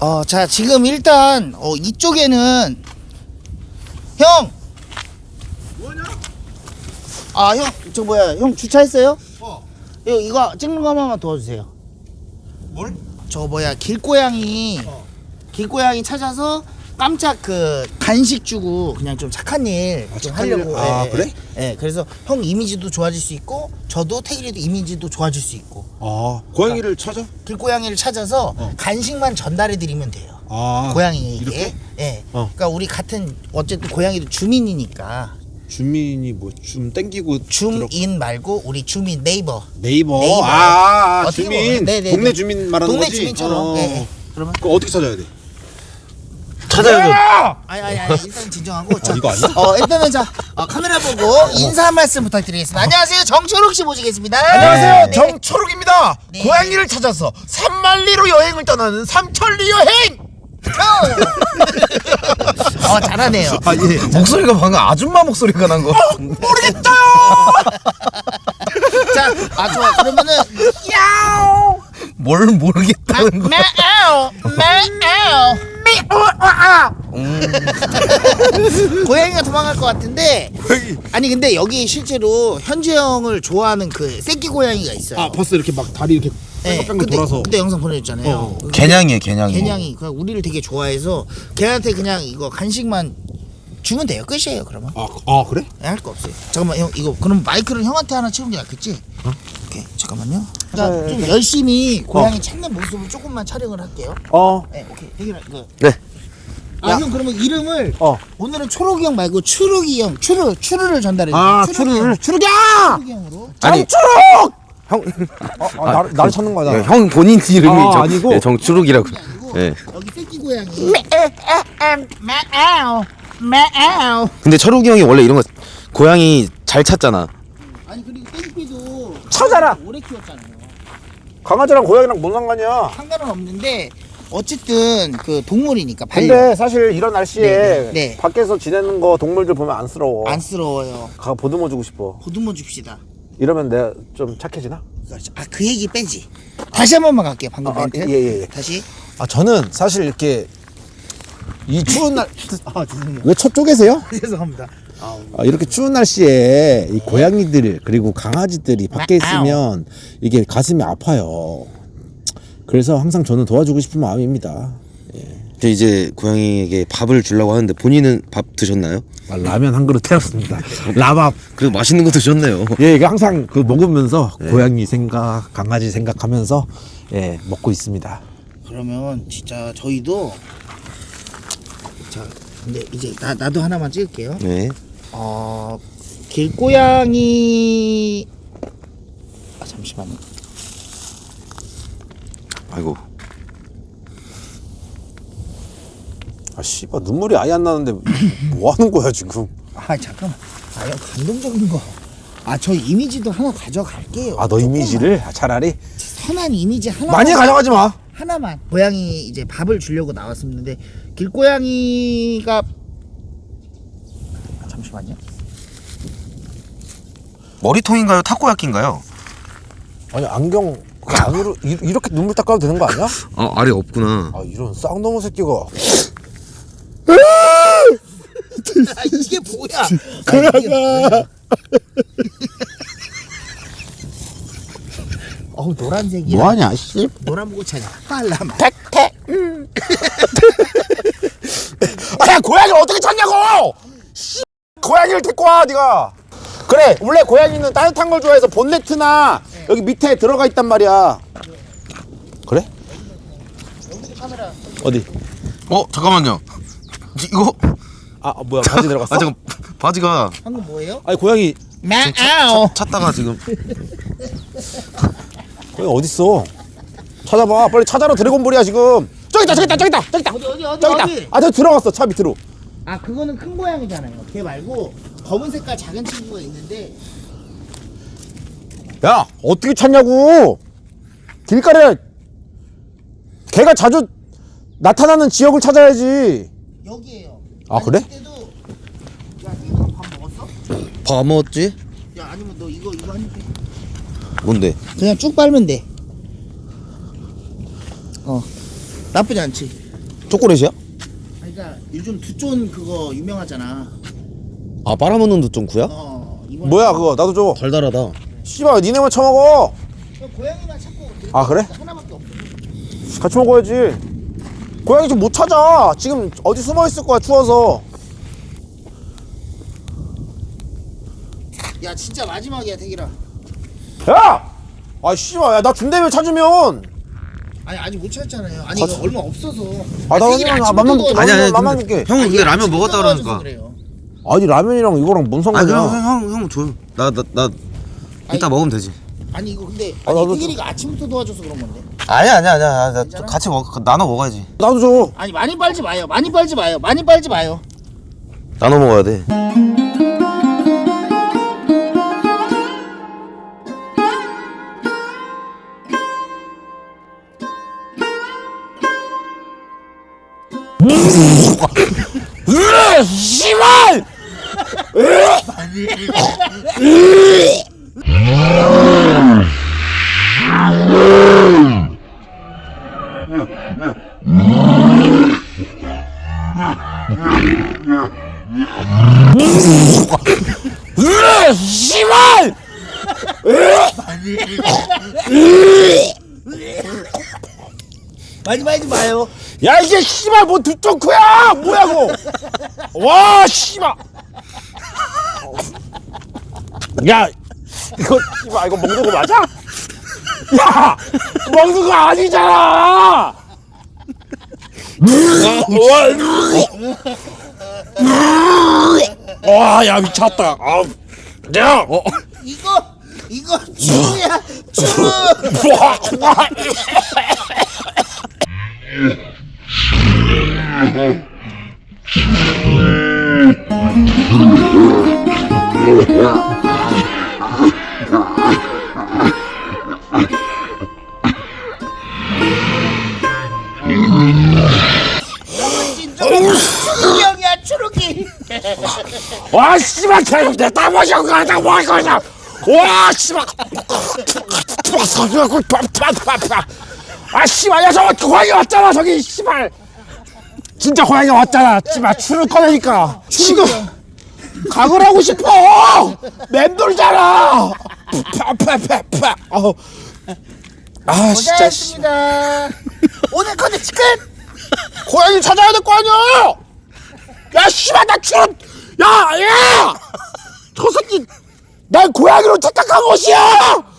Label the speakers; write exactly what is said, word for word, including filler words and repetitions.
Speaker 1: 어, 자, 지금 일단 어, 이쪽에는 형!
Speaker 2: 뭐냐?
Speaker 1: 아, 형, 저 뭐야, 형 주차했어요?
Speaker 2: 어.
Speaker 1: 이거, 이거 찍는 거 한 번만 도와주세요.
Speaker 2: 뭘?
Speaker 1: 저 뭐야, 길고양이,
Speaker 2: 어.
Speaker 1: 길고양이 찾아서 깜짝 그 간식 주고 그냥 좀 착한 일
Speaker 2: 아,
Speaker 1: 좀
Speaker 2: 착한
Speaker 1: 하려고.
Speaker 2: 일? 아,
Speaker 1: 예,
Speaker 2: 그래?
Speaker 1: 예, 예, 그래서 형 이미지도 좋아질 수 있고, 저도 태길이도 이미지도 좋아질 수 있고.
Speaker 2: 아, 고양이를 찾아?
Speaker 1: 길고양이를 찾아서
Speaker 2: 어.
Speaker 1: 간식만 전달해 드리면 돼요.
Speaker 2: 아,
Speaker 1: 고양이에게.
Speaker 2: 이렇게?
Speaker 1: 예.
Speaker 2: 어.
Speaker 1: 그러니까 우리 같은 어쨌든 고양이도 주민이니까.
Speaker 2: 주민이 뭐 좀 땡기고 들어...
Speaker 1: 줌인 말고 우리 주민 네이버.
Speaker 2: 네이버.
Speaker 1: 네이버.
Speaker 2: 아, 아, 아
Speaker 1: 어떻게
Speaker 2: 주민.
Speaker 1: 보면- 네네네.
Speaker 2: 동네 주민 말하는
Speaker 1: 동네
Speaker 2: 거지?
Speaker 1: 주민처럼.
Speaker 2: 어.
Speaker 1: 예, 예. 그러면
Speaker 2: 그거 어떻게 찾아야 돼?
Speaker 3: 찾아야죠.
Speaker 1: 아니 아니 아니 일단 진정하고. 자,
Speaker 2: 이거 아니야?
Speaker 1: 어 일단은 자 어, 카메라 보고 인사 한 말씀 부탁드리겠습니다. 안녕하세요, 정초록 씨 모시겠습니다.
Speaker 3: 안녕하세요,
Speaker 1: 네.
Speaker 3: 정초록입니다.
Speaker 1: 네.
Speaker 3: 고양이를 찾아서 산만리로 여행을 떠나는 삼천리 여행.
Speaker 1: 어 잘하네요.
Speaker 3: 아 예. 목소리가 방금 아줌마 목소리가 난 거. 모르겠어요.
Speaker 1: 자, 아 좋아. 그러면은 야오.
Speaker 3: 뭘 모르겠다는 거.
Speaker 1: 매우 매우 고양이가 도망갈 것 같은데. 아니 근데 여기 실제로 현주 형을 좋아하는 그 새끼 고양이가 있어요.
Speaker 2: 아, 벌써 이렇게 막 다리 이렇게
Speaker 1: 네,
Speaker 2: 뺑뺑뺑
Speaker 1: 그때,
Speaker 2: 돌아서.
Speaker 1: 그때 영상 보내줬잖아요.
Speaker 2: 어.
Speaker 1: 그
Speaker 3: 개냥이에요, 개냥이.
Speaker 1: 개냥이 그 우리를 되게 좋아해서 걔한테 그냥 이거 간식만 주면 돼요. 끝이에요. 그러면
Speaker 2: 아, 아 그래?
Speaker 1: 할 거 없어요. 잠깐만 형 이거 그럼 마이크를 형한테 하나 치는 게 낫겠지? 어? 오케이 잠깐만요. 그러니까 좀 열심히 고양이 찾는 모습을 조금만 촬영을 할게요.
Speaker 2: 어.
Speaker 1: 네 오케이 대기라 이거.
Speaker 3: 네.
Speaker 1: 아 형 그러면 이름을
Speaker 2: 어.
Speaker 1: 오늘은 초록이 형 말고 추룩이 형 추르 추르를 전달해 주세요.
Speaker 2: 아,
Speaker 1: 추룩이
Speaker 2: 추루를.
Speaker 1: 형.
Speaker 2: 추루야!
Speaker 1: 추룩이 형으로.
Speaker 3: 아니,
Speaker 2: 형. 아, 아, 나를, 나를 찾는 거야.
Speaker 3: 예, 형 본인 이름이
Speaker 2: 아,
Speaker 3: 정,
Speaker 2: 아니고?
Speaker 3: 예, 정초록이라고.
Speaker 1: 아니고
Speaker 3: 예.
Speaker 1: 여기 새끼 고양이. 매우 매우.
Speaker 3: 근데 철욱이 형이 원래 이런 거 고양이 잘 찾잖아.
Speaker 1: 아니 그리고 땡피도
Speaker 2: 찾아라!
Speaker 1: 오래 키웠잖아요.
Speaker 2: 강아지랑 고양이랑 뭔 상관이야?
Speaker 1: 상관은 없는데 어쨌든 그 동물이니까 반려.
Speaker 2: 근데 사실 이런 날씨에
Speaker 1: 네, 네, 네.
Speaker 2: 밖에서 지내는 거 동물들 보면 안쓰러워.
Speaker 1: 안쓰러워요.
Speaker 2: 가 보듬어 주고 싶어.
Speaker 1: 보듬어 줍시다.
Speaker 2: 이러면 내가 좀 착해지나?
Speaker 1: 아 그 얘기 빼지. 다시 한 번만 갈게요. 방금
Speaker 2: 아,
Speaker 1: 멘트.
Speaker 2: 예, 예, 예.
Speaker 1: 다시.
Speaker 2: 아 저는 사실 이렇게 이 추운 날
Speaker 1: 아 죄송해요.
Speaker 2: 왜 첫 쪽에세요?
Speaker 1: 죄송합니다.
Speaker 2: 아, 이렇게 추운 날씨에 이 고양이들 그리고 강아지들이 밖에 있으면 이게 가슴이 아파요. 그래서 항상 저는 도와주고 싶은 마음입니다.
Speaker 3: 저 이제 고양이에게 밥을 주려고 하는데 본인은 밥 드셨나요?
Speaker 2: 아, 라면 한 그릇 태웠습니다. 라밥.
Speaker 3: 그래도 맛있는 거 드셨네요.
Speaker 2: 예, 이게 항상 그 먹으면서 고양이 생각, 강아지 생각하면서 예 먹고 있습니다.
Speaker 1: 그러면 진짜 저희도 자 근데 이제 나 나도 하나만 찍을게요.
Speaker 3: 네.
Speaker 1: 어 길고양이 아 잠시만요.
Speaker 3: 아이고.
Speaker 2: 아 씨발 눈물이 아예 안 나는데 뭐 하는 거야 지금?
Speaker 1: 아 잠깐만. 아 형 감동적인 거. 아 저 이미지도 하나 가져갈게요.
Speaker 2: 아 너 이미지를 아, 차라리
Speaker 1: 선한 이미지 하나
Speaker 2: 많이 가져가지 마.
Speaker 1: 하나만. 고양이 이제 밥을 주려고 나왔었는데 길고양이가 아, 잠시만요.
Speaker 3: 머리통인가요? 타코야끼인가요?
Speaker 2: 아니 안경 그 안으로 이, 이렇게 눈물 닦아도 되는 거 아니야?
Speaker 3: 아, 알이 없구나.
Speaker 2: 아 이런 쌍놈의 새끼가.
Speaker 1: 아 이게 뭐야? 아, 이게 뭐야? 어우 노란색이야.
Speaker 2: 뭐하냐 씨.
Speaker 1: 노란 보고 찾아. 빨라마.
Speaker 2: 택택. 아 고양이를 어떻게 찾냐고! 씨 고양이를 데리고 와 네가. 그래 원래 고양이는 따뜻한 걸 좋아해서 본네트나 네. 여기 밑에 들어가 있단 말이야. 그래?
Speaker 1: 카메라.
Speaker 2: 어디?
Speaker 3: 어, 잠깐만요. 이거
Speaker 2: 아 뭐야 바지 들어갔어?
Speaker 3: 아, 잠깐. 바지가
Speaker 1: 방금 뭐예요?
Speaker 2: 아니 고양이
Speaker 1: 마아오.
Speaker 3: 찾다가 지금
Speaker 2: 고양이 어딨어? 찾아봐 빨리 찾아라. 드래곤볼이야 지금. 저기 있다 저기 있다 저기 있다 저기 있다
Speaker 1: 어디 어디 어디
Speaker 2: 저기
Speaker 1: 어디?
Speaker 2: 있다. 아 저 들어갔어 차 밑으로.
Speaker 1: 아 그거는 큰 고양이잖아요. 걔 말고 검은 색깔 작은 친구가 있는데.
Speaker 2: 야 어떻게 찾냐고. 길가에 걔가 자주 나타나는 지역을 찾아야지.
Speaker 1: 여기에요.
Speaker 2: 아, 그래?
Speaker 1: 그때도 야 이거 밥 먹었어?
Speaker 3: 밥 먹었지?
Speaker 1: 야 아니면 너 이거 이거 한 입.
Speaker 3: 뭔데?
Speaker 1: 그냥 쭉 빨면 돼. 어 나쁘지 않지.
Speaker 3: 초콜릿이야?
Speaker 1: 그러니까 요즘 두쫀 그거 유명하잖아.
Speaker 3: 아 빨아먹는 두쫑구야?
Speaker 1: 어 이번
Speaker 2: 뭐야 그거 나도 줘.
Speaker 3: 달달하다.
Speaker 2: 씨발 니네만 처먹어.
Speaker 1: 고양이만 찾고
Speaker 2: 아 그래?
Speaker 1: 하나밖에 없어.
Speaker 2: 같이 먹어야지. 고양이 좀 못 찾아. 지금 어디 숨어 있을 거야 추워서.
Speaker 1: 야 진짜 마지막이야 태길아.
Speaker 2: 야! 아 씨발 야 나 준다며 찾으면.
Speaker 1: 아니 아직 못 찾았잖아요. 아니
Speaker 2: 같이-
Speaker 1: 이거 얼마 없어서.
Speaker 2: 아, 나
Speaker 1: 태길이
Speaker 2: 그냥
Speaker 1: 아침부터
Speaker 2: 맘만
Speaker 1: 도와줘.
Speaker 2: 먹-
Speaker 3: 아니 아니
Speaker 2: 맘만
Speaker 3: 근데
Speaker 2: 먹게.
Speaker 3: 형 근데
Speaker 1: 아니,
Speaker 3: 라면
Speaker 1: 아침부터
Speaker 3: 먹었다
Speaker 1: 도와줘서
Speaker 3: 그러니까.
Speaker 1: 그래요.
Speaker 2: 아니 라면이랑 이거랑 뭔
Speaker 3: 아
Speaker 2: 상관이야?
Speaker 3: 그럼 형형 형 줘. 나 나 나 이따
Speaker 1: 아니,
Speaker 3: 먹으면 되지.
Speaker 1: 아니 이거 근데
Speaker 2: 아,
Speaker 1: 아니
Speaker 2: 나도
Speaker 1: 태길이가 아침부터 도와줘서 그런 건데.
Speaker 3: 아니야 아니야 아니야. 나
Speaker 1: 괜찮아?
Speaker 3: 같이 먹 나눠 먹어야지.
Speaker 2: 나도 줘.
Speaker 1: 아니 많이 빨지 마요. 많이 빨지 마요. 많이 빨지 마요.
Speaker 3: 나눠 먹어야 돼.
Speaker 2: 으 씨발! 으 씨발!
Speaker 1: 많이 빨지 마요.
Speaker 2: 야 이게 씨발 뭐 두쫑쿠야 뭐야 그거. 와 씨발. 야 이거 씨발 이거 먹는 거 맞아? 야 먹는 거 아니잖아. 와야 미쳤다. 아, 야. 어.
Speaker 1: 이거 이거 추루야 추루. 진짜 추루기 형이야 추루기.
Speaker 2: 와 씨발 계속 내다 마셔 가자 뭐 거냐. 와 씨발. 아 씨발 야 저거 고양이 왔잖아 저기 씨발. 진짜 고양이 왔잖아. 씨발 추를 꺼내니까 지금 각을 하고 싶어. 맴돌잖아. 파파파파. 어. 아 진짜 씨.
Speaker 1: 고생하셨습니다. 오늘 컨텐츠 끝.
Speaker 2: 고양이 찾아야 될 거 아니야. 야 씨발 나 추를. 야 야. 저 새끼 날 고양이로 착각한 것이야.